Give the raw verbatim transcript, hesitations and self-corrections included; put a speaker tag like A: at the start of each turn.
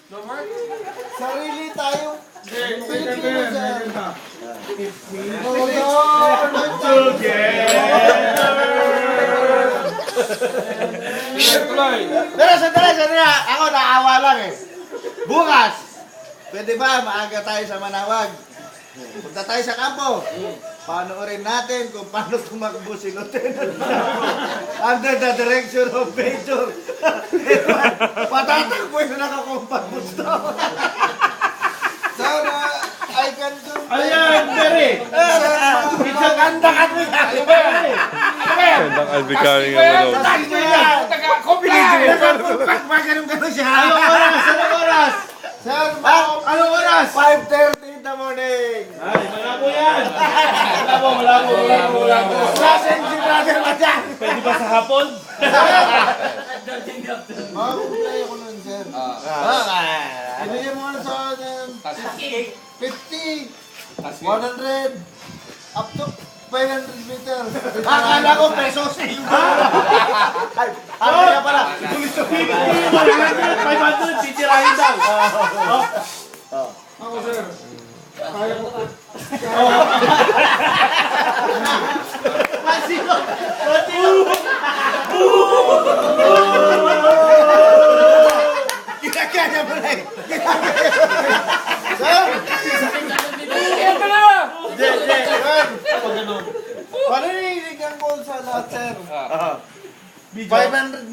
A: Sarili tayo. Pilipino, sir.
B: Pero sandali, sandali. Ako naawa lang eh. Bukas, pwede ba maaga tayo sa Manawag? Punta tayo sa kampo. Panoorin natin kung paano tumakbo si Lieutenant under the direction of Major. Patatakbo yung nakakompat mo ito.
A: Sir, uh, I can do...
B: Ayan, Jerry. Isang ganda ka mo yan.
C: Gandang albikari nga mo daw.
B: Tayo mo yan. Nakakompat pa ganun-ganun siya. Anong oras? Anong oras?
A: Sir,
B: Anong oras?
A: five thirty in the morning.
B: Ay, malabo yan. Malabo, malabo, malabo, malabo. Sasin si brother mo dyan. Pwede ba sa hapon?
A: Mag-play ako nun, sir.
B: Ah.
A: Ibigay mo ano sa um, fifty, one hundred, up to five hundred meters.
B: Akala ko pesos eh. Ay, ano kaya pala? five hundred, titirahin daw.
A: Ako, sir. Kaya ko.
B: Masino! Masino! Kinakaya mo na eh.
A: Sir!
B: Kinakaya mo na!
A: Hindi, hindi. Sir! Parinig ang goal sa lahat, sir. five hundred